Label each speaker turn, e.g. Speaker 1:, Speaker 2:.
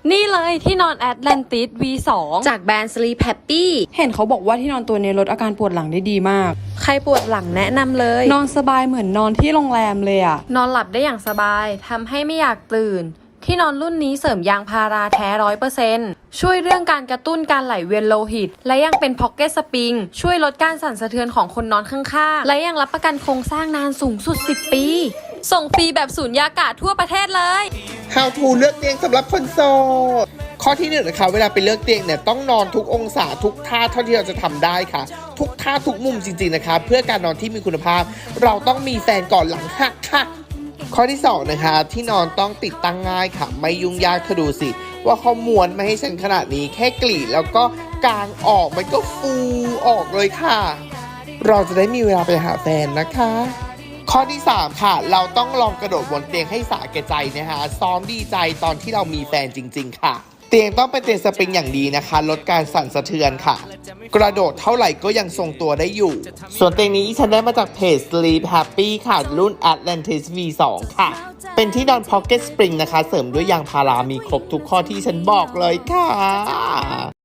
Speaker 1: นี่เลยที่นอน Atlantis V2 จากแบรนด์ Sleep Happy
Speaker 2: เห็นเขาบอกว่าที่นอนตัวนี้ลดอาการปวดหลังได้ดีมาก
Speaker 1: ใครปวดหลังแนะนำเลย
Speaker 2: นอนสบายเหมือนนอนที่โรงแรมเลยอะ
Speaker 1: นอนหลับได้อย่างสบายทำให้ไม่อยากตื่นที่นอนรุ่นนี้เสริมยางพาราแท้ 100% ช่วยเรื่องการกระตุ้นการไหลเวียนโลหิตและยังเป็น Pocket Spring ช่วยลดการสั่นสะเทือนของคนนอนข้างๆและยังรับประกันโครงสร้างนานสูงสุด10 ปีส่งฟรีแบบสูญญากาศทั่วประเทศเลย
Speaker 3: How to เลือกเตียงสำหรับคนโสดข้อที่1นะคะเวลาไปเลือกเตียงเนี่ยต้องนอนทุกองศาทุกท่าเท่าที่เราจะทำได้ค่ะทุกท่าทุกมุมจริงๆนะคะเพื่อการนอนที่มีคุณภาพเราต้องมีแฟนก่อนหลังหักค่ะข้อที่2นะคะที่นอนต้องติดตั้งง่ายค่ะไม่ยุ่งยากเธอดูสิว่าเขาม้วนมาให้ฉันขนาดนี้แค่กรีดแล้วก็กางออกมันก็ฟูออกเลยค่ะเราจะได้มีเวลาไปหาแฟนนะคะข้อที่3ค่ะเราต้องลองกระโดดบนเตียงให้สาแก่ใจนะคะซ้อมดีใจตอนที่เรามีแฟนจริงๆค่ะเตียงต้องเป็นเตียงสปริงอย่างดีนะคะลดการสั่นสะเทือนค่ะกระโดดเท่าไหร่ก็ยังทรงตัวได้อยู่ส่วนเตียงนี้ฉันได้มาจากเพจ Sleep Happy ค่ะรุ่น Atlantis V2 ค่ะเป็นที่นอน Pocket Spring นะคะเสริมด้วยยางพารามีครบทุกข้อที่ฉันบอกเลยค่ะ